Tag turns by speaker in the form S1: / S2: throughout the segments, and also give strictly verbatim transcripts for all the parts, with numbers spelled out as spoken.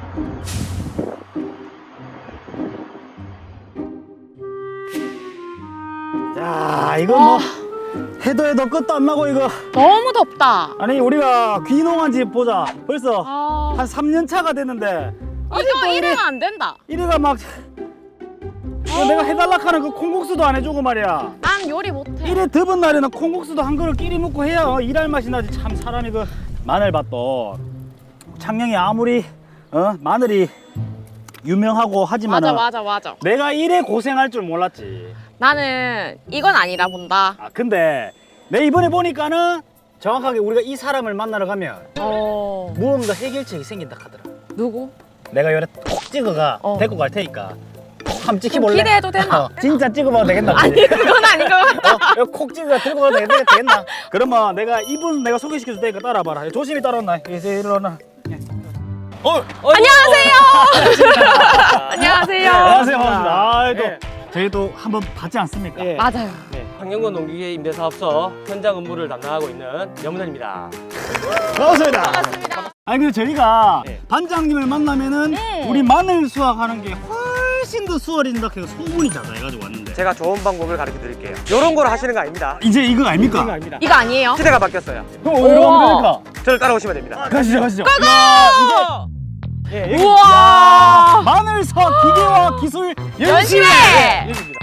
S1: 야, 이거 뭐 해도 해도 끝도 안 나고 이거.
S2: 너무 덥다.
S1: 아니 우리가 귀농한 집 보자. 벌써
S2: 아,
S1: 한 삼 년 차가 됐는데
S2: 이거 이러면 안 된다.
S1: 이래가 막 이거 내가 해달라 하는 그 콩국수도 안 해주고 말이야.
S2: 난 요리 못해.
S1: 이래 더운 날에는 콩국수도 한 그릇 끼리 먹고 해야 어, 일할 맛이 나지. 참 사람이 그 마늘밭도 창녕이 아무리 어 마늘이 유명하고 하지만
S2: 맞아 맞아 맞아.
S1: 내가 이래 고생할 줄 몰랐지.
S2: 나는 이건 아니라 본다.
S1: 아 근데 내 이번에 보니까는 정확하게 우리가 이 사람을 만나러 가면
S2: 어.
S1: 무언가 해결책이 생긴다 하더라.
S2: 누구?
S1: 내가 요래 콕 찍어가
S2: 어.
S1: 데리고 갈 테니까 한번
S2: 좀
S1: 찍혀볼래?
S2: 기대해도 되나?
S1: 어, 진짜 찍어봐도 되겠나?
S2: 아니 그건 아닌 것 같다.
S1: 어, 이거 콕 찍어가 들고 가도 되겠- 되겠나? 그러면 내가 이분 내가 소개시켜줄 테니까 따라봐라. 조심히 따라온나. 이제 일어나. 어, 어,
S2: 안녕하세요. 안녕하세요.
S1: 안녕하세요. 반갑습니다. 아, 또
S3: 예.
S1: 저희도 한번 봤지 않습니까?
S3: 예.
S2: 맞아요.
S3: 네, 황영건 농기계 임대사업소 현장 업무를 담당하고 있는 염원입니다.
S1: 반갑습니다.
S2: 반갑습니다.
S1: 아니 근데 저희가
S3: 네.
S1: 반장님을 만나면은
S2: 음.
S1: 우리 마늘 수확하는 게 훨씬 더 수월해진다 해서 소문이 자자해가지고 왔는데
S3: 제가 좋은 방법을 가르쳐 드릴게요. 이런 걸 하시는 거 아닙니다.
S1: 이제 이거 아닙니까?
S3: 이거 아닙니다.
S2: 이거 아니에요?
S3: 시대가 바뀌었어요.
S1: 그럼 어디로 가면
S2: 우와.
S1: 됩니까?
S3: 저를 따라오시면 됩니다.
S1: 가시죠 가시죠.
S2: 고!
S3: 예, 여기
S2: 우와.
S1: 마늘 수확 기계와 기술 연심회.
S2: 연심회.
S3: 여기입니다.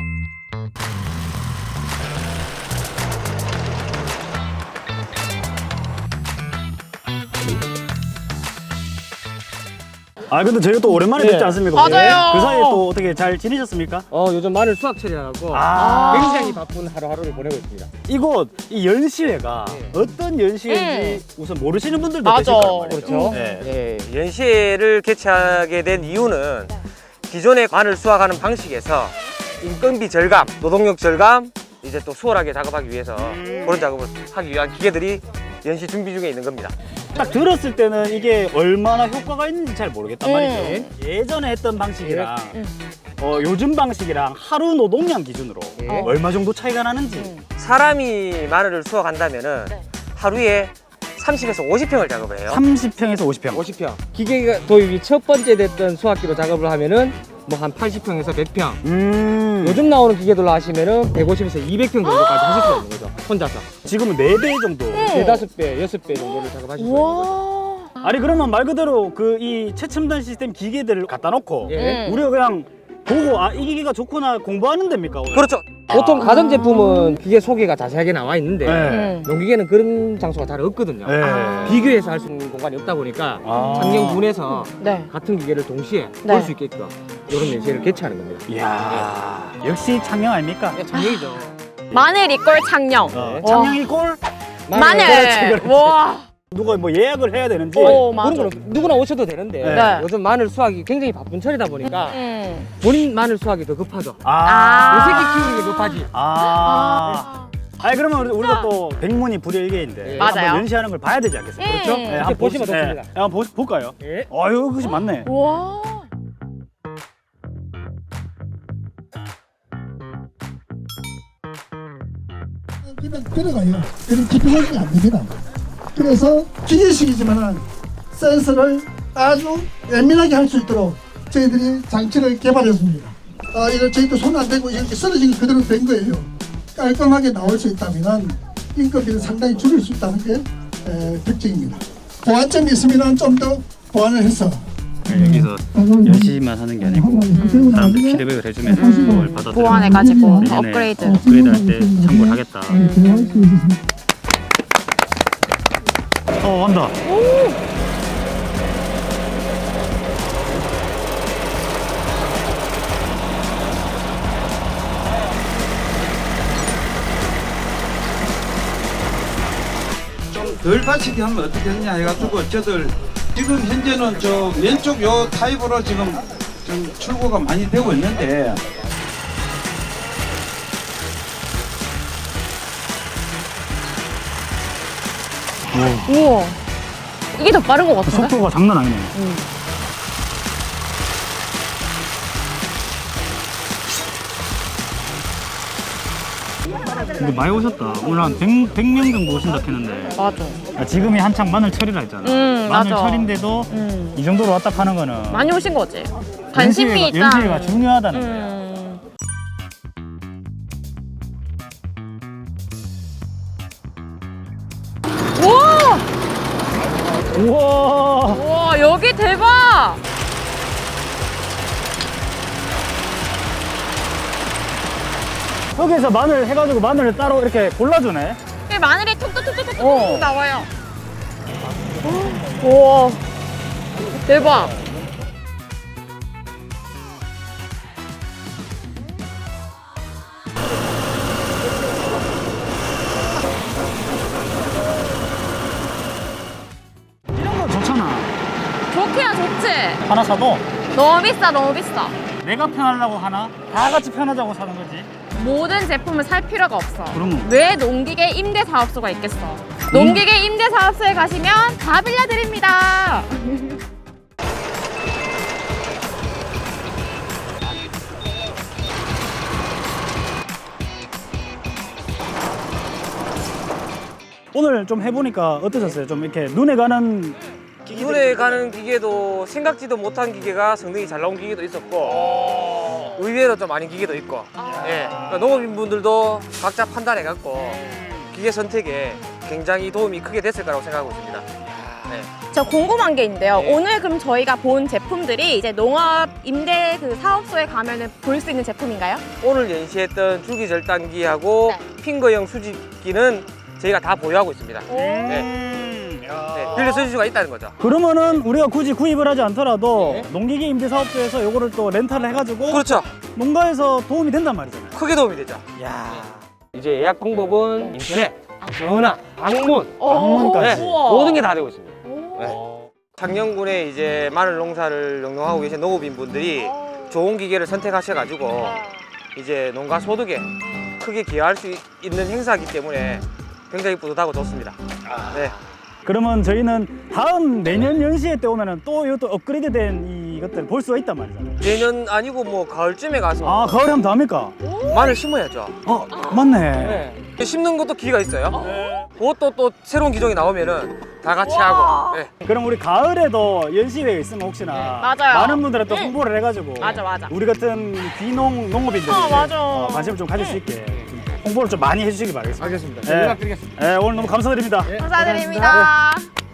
S1: 아 근데 저희가 또 오랜만에
S3: 네.
S1: 뵙지 않습니까?
S2: 맞아요.
S1: 그 사이에 또 어떻게 잘 지내셨습니까?
S3: 어, 요즘 마늘 수확 처리하고
S1: 아.
S3: 굉장히 바쁜 하루하루를 보내고 있습니다.
S1: 이곳 이 연시회가
S3: 네.
S1: 어떤 연시회인지 우선 모르시는 분들도
S2: 맞아.
S1: 계실 거란 말이죠.
S3: 그렇죠.
S1: 네.
S3: 예, 연시회를 개최하게 된 이유는 기존의 마늘 수확하는 방식에서 인건비 절감, 노동력 절감, 이제 또 수월하게 작업하기 위해서 그런 작업을 하기 위한 기계들이 연시 준비 중에 있는 겁니다.
S1: 딱 들었을 때는 이게 얼마나 효과가 있는지 잘 모르겠단
S2: 음.
S1: 말이죠. 예전에 했던 방식이랑
S2: 음.
S1: 어, 요즘 방식이랑 하루 노동량 기준으로
S3: 예.
S1: 어, 얼마 정도 차이가 나는지.
S2: 음.
S3: 사람이 마늘을 수확한다면은
S2: 네.
S3: 하루에 삼십에서 오십 평을 작업을 해요.
S1: 삼십 평에서 오십 평.
S4: 오십 평. 기계가 도입이 첫 번째 됐던 수확기로 작업을 하면은 뭐 한 팔십 평에서 백 평.
S1: 음.
S4: 요즘 나오는 기계들로 하시면은 백오십에서 이백 평 정도까지 하실 수 있는 거죠. 혼자서.
S1: 지금은 네 배 정도.
S4: 네다섯 배, 여섯 배 정도를 작업하실 수 있는 거죠.
S2: 우와.
S1: 아니 그러면 말 그대로 그 이 최첨단 시스템 기계들을 갖다 놓고
S4: 예.
S2: 음.
S1: 우리가 그냥 보고 아 이 기계가 좋구나 공부하는 데입니까? 오늘?
S3: 그렇죠.
S4: 보통 가전 제품은 기계 소개가 자세하게 나와 있는데
S1: 네.
S2: 음.
S4: 농기계는 그런 장소가 잘 없거든요.
S1: 네.
S2: 아.
S4: 비교해서 할 수 있는 공간이 없다 보니까
S1: 아.
S4: 창녕군에서
S2: 네.
S4: 같은 기계를 동시에
S2: 네.
S4: 볼 수 있게끔 이런 연시를 개최하는 겁니다.
S1: 이야 역시 창녕 아닙니까?
S4: 네, 창녕이죠.
S2: 마늘 이꼴 창녕.
S1: 어,
S2: 와.
S1: 창녕이 꼴
S2: 마늘.
S1: 그렇지, 그렇지.
S2: 와.
S1: 누가 뭐 예약을 해야 되는지
S2: 오, 맞아.
S4: 그런 거는 누구나 오셔도 되는데
S1: 네.
S4: 요즘 마늘 수확이 굉장히 바쁜 철이다 보니까
S2: 음.
S4: 본인 마늘 수확이 더 급하죠.
S1: 아.
S4: 요 새끼 키우는 게 급하지.
S1: 아. 아니 그러면 우리, 우리가 또 백문이 불여일개인데
S4: 네.
S2: 맞아요.
S1: 한번 연시하는 걸 봐야 되지 않겠습니까?
S2: 음.
S1: 그렇죠?
S2: 이렇게
S1: 한번
S4: 보시면
S1: 봅시- 네.
S4: 좋습니다.
S1: 한번 보, 볼까요?
S4: 예.
S1: 아유 그것이 맞네.
S2: 와.
S5: 그냥 들어가요. 그럼 집중하기 안 됩니다. 그래서 기계식이지만 센서를 아주 예민하게 할 수 있도록 저희들이 장치를 개발했습니다. 아, 이거 저희도 손 안 대고 이렇게 쓰러진 게 그대로 된 거예요. 깔끔하게 나올 수 있다면 인건비를 상당히 줄일 수 있다는 게 에, 특징입니다. 보완점이 있으면 좀 더 보완을 해서
S1: 여기서 연시만 하는 게 아니고 사람들 피드백을 해주면 그걸 받아들여
S2: 보완해가지고
S1: 내년에
S2: 업그레이드.
S1: 업그레이드 할 때 참고를 하겠다. 어 한다.
S6: 좀 덜 받치게 하면 어떻게 하냐 해가지고 저들 지금 현재는 저 왼쪽 요 타입으로 지금 좀 출고가 많이 되고 있는데
S2: 우와. 이게 더 빠른 것 같은데?
S1: 속도가 장난 아니네. 근데 많이 오셨다. 오늘 한 백 명 정도 오신다 했는데.
S2: 맞아.
S1: 야, 지금이 한창 마늘 철이라 했잖아.
S2: 음,
S1: 마늘
S2: 맞아.
S1: 철인데도
S2: 음.
S1: 이 정도로 왔다 파는 거는
S2: 많이 오신 거지. 관심이
S1: 연시회가,
S2: 있다.
S1: 연시회가 중요하다는 거야.
S2: 음. 우와!
S1: 우와.
S2: 우와, 여기 대박!
S1: 여기서 마늘 해가지고 마늘을 따로 이렇게 골라주네.
S2: 여기 마늘이 톡톡톡톡톡
S1: 어.
S2: 나와요. 우와, 대박!
S1: 이런 거 좋잖아.
S2: 좋기야 좋지?
S1: 하나 사도
S2: 너무 비싸, 너무 비싸.
S1: 내가 편하려고 하나 다 같이 편하자고 사는 거지.
S2: 모든 제품을 살 필요가 없어.
S1: 그러면?
S2: 왜 농기계 임대사업소가 있겠어? 농기계 임대사업소에 가시면 다 빌려드립니다.
S1: 오늘 좀 해보니까 어떠셨어요? 좀 이렇게 눈에 가는
S3: 눈에 가는 기계도 생각지도 못한 기계가 성능이 잘 나온 기계도 있었고 의외로 좀 아닌 기계도 있고 예. 그러니까 농업인분들도 각자 판단해갖고 기계 선택에 굉장히 도움이 크게 됐을 거라고 생각하고 있습니다. 네.
S2: 저 궁금한 게 있는데요.
S3: 네.
S2: 오늘 그럼 저희가 본 제품들이 이제 농업 임대 그 사업소에 가면은 볼 수 있는 제품인가요?
S3: 오늘 연시했던 줄기절단기하고
S2: 네.
S3: 핑거형 수집기는 저희가 다 보유하고 있습니다. 네.
S1: 음, 야.
S3: 네. 빌려줄 수가 있다는 거죠.
S1: 그러면은 우리가 굳이 구입을 하지 않더라도
S3: 네.
S1: 농기계 임대사업소에서 요거를 또 렌탈을 해가지고
S3: 그렇죠.
S1: 농가에서 도움이 된단 말이잖아요.
S3: 크게 도움이 되죠.
S1: 야.
S4: 이제 예약 방법은 인터넷, 전화, 방문,
S1: 방문까지.
S3: 네.
S2: 우와.
S3: 모든 게 다 되고 있습니다.
S2: 오.
S3: 네. 장년군에 이제 마늘 농사를 영농하고 계신 농업인분들이 좋은 기계를 선택하셔가지고 이제 농가 소득에 크게 기여할 수 있- 있는 행사이기 때문에 굉장히 뿌듯하고 좋습니다. 네.
S1: 그러면 저희는 다음 내년 연시회 때 오면은 또 이것도 업그레이드된 이것들을 볼 수가 있단 말이잖아요.
S3: 내년 아니고 뭐 가을쯤에 가서
S1: 아, 가을에 하면 더 합니까?
S3: 마늘 심어야죠.
S1: 어, 맞네.
S3: 네. 심는 것도 기회가 있어요. 그것도 또 새로운 기종이 나오면은 다 같이 하고. 네.
S1: 그럼 우리 가을에도 연시회가 있으면 혹시나
S2: 맞아요.
S1: 많은 분들한테 또
S2: 응.
S1: 홍보를 해가지고
S2: 맞아, 맞아.
S1: 우리 같은 귀농 농업인들이
S2: 어, 맞아.
S1: 어, 관심을 좀 가질 수 있게 좀 홍보를 좀 많이 해주시기 바라겠습니다.
S4: 알겠습니다.
S1: 네.
S4: 연락드리겠습니다.
S1: 네, 오늘 너무 감사드립니다.
S2: 감사드립니다.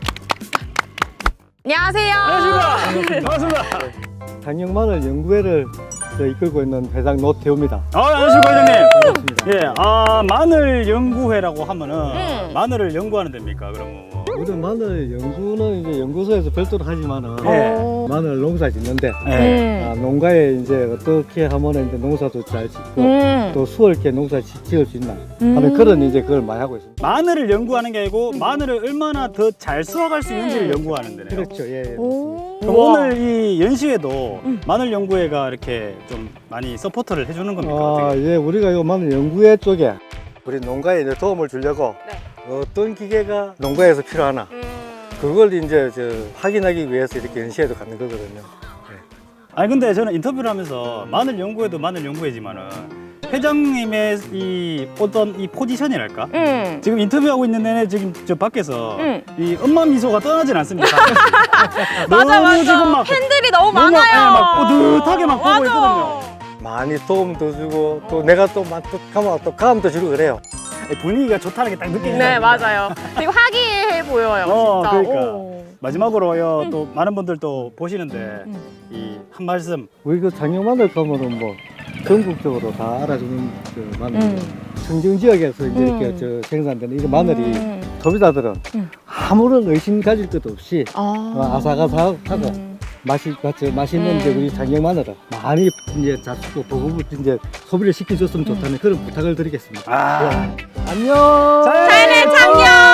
S2: 안녕하세요.
S1: 안녕하십니까. 반갑습니다.
S7: 장영마늘 연구회를 저 이끌고 있는 회장 노태우입니다.
S1: 아, 안녕하십니까, 회장님.
S7: 반갑습니다.
S1: 예, 아, 마늘 연구회라고 하면은
S2: 음.
S1: 마늘을 연구하는 데입니까, 그러면?
S7: 우리 마늘 연구는 이제 연구소에서 별도로 하지만은
S1: 예.
S2: 어.
S7: 마늘 농사 짓는데
S1: 예.
S7: 아,
S2: 음.
S7: 농가에 이제 어떻게 하면 이제 농사도 잘 짓고
S2: 음.
S7: 또 수월하게 농사 지- 지을 수 있나
S2: 음.
S7: 하는 그런 이제 그걸 많이 하고 있습니다.
S1: 마늘을 연구하는 게 아니고 마늘을 얼마나 더 잘 수확할 수 있는지를 연구하는 데네요.
S7: 그렇죠. 예. 예.
S2: 오.
S1: 그럼 오늘 이 연시회도
S2: 음.
S1: 마늘 연구회가 이렇게 좀 많이 서포터를 해주는 겁니까?
S7: 아,
S1: 어떻게?
S7: 예, 우리가 이 마늘 연구회 쪽에 우리 농가에 이제 도움을 주려고
S2: 네.
S7: 어떤 기계가 농가에서 필요하나
S2: 음.
S7: 그걸 이제 저 확인하기 위해서 이렇게 연시회도 갖는 거거든요.
S1: 아니 근데 저는 인터뷰를 하면서 마늘 연구회도 마늘 연구회지만은 회장님의 이 어떤 이 포지션이랄까?
S2: 음.
S1: 지금 인터뷰하고 있는 내내 지금 저 밖에서
S2: 음.
S1: 이 엄마 미소가 떠나진 않습니다.
S2: 맞아,
S1: 너무
S2: 맞아.
S1: 지금 막
S2: 팬들이 너무
S1: 너무
S2: 많아요.
S1: 예, 막 뿌듯하게 막 보고
S2: 맞아.
S1: 있거든요.
S7: 많이 도움도 주고 또 내가 또 막 또 가면 또 감도 주고 그래요.
S1: 분위기가 좋다는 게 딱 느껴지죠.
S2: 네, 맞아요. 그리고 화기애애 보여요.
S1: 어,
S2: 진짜.
S1: 그러니까.
S2: 오.
S1: 마지막으로요
S2: 음.
S1: 또 많은 분들 또 보시는데
S2: 음.
S1: 이 한 말씀.
S7: 우리 그 장영마늘 가면은 뭐 전국적으로 다 알아주는 그 마늘.
S2: 음.
S7: 청정 지역에서 이제
S2: 음.
S7: 이렇게 저 생산되는 이 마늘이
S2: 음.
S7: 소비자들은
S2: 음.
S7: 아무런 의심 가질 것도 없이
S2: 아.
S7: 어, 아삭아삭하고
S2: 음.
S7: 맛이 맞죠 맛있는
S2: 음.
S7: 이제 우리 장영마늘을 많이 이제 잡수고 보급을 이제 소비를 시켜줬으면 좋다는 그런 부탁을 드리겠습니다.
S1: 아.
S7: 안녕.
S1: 잘해
S2: 장년!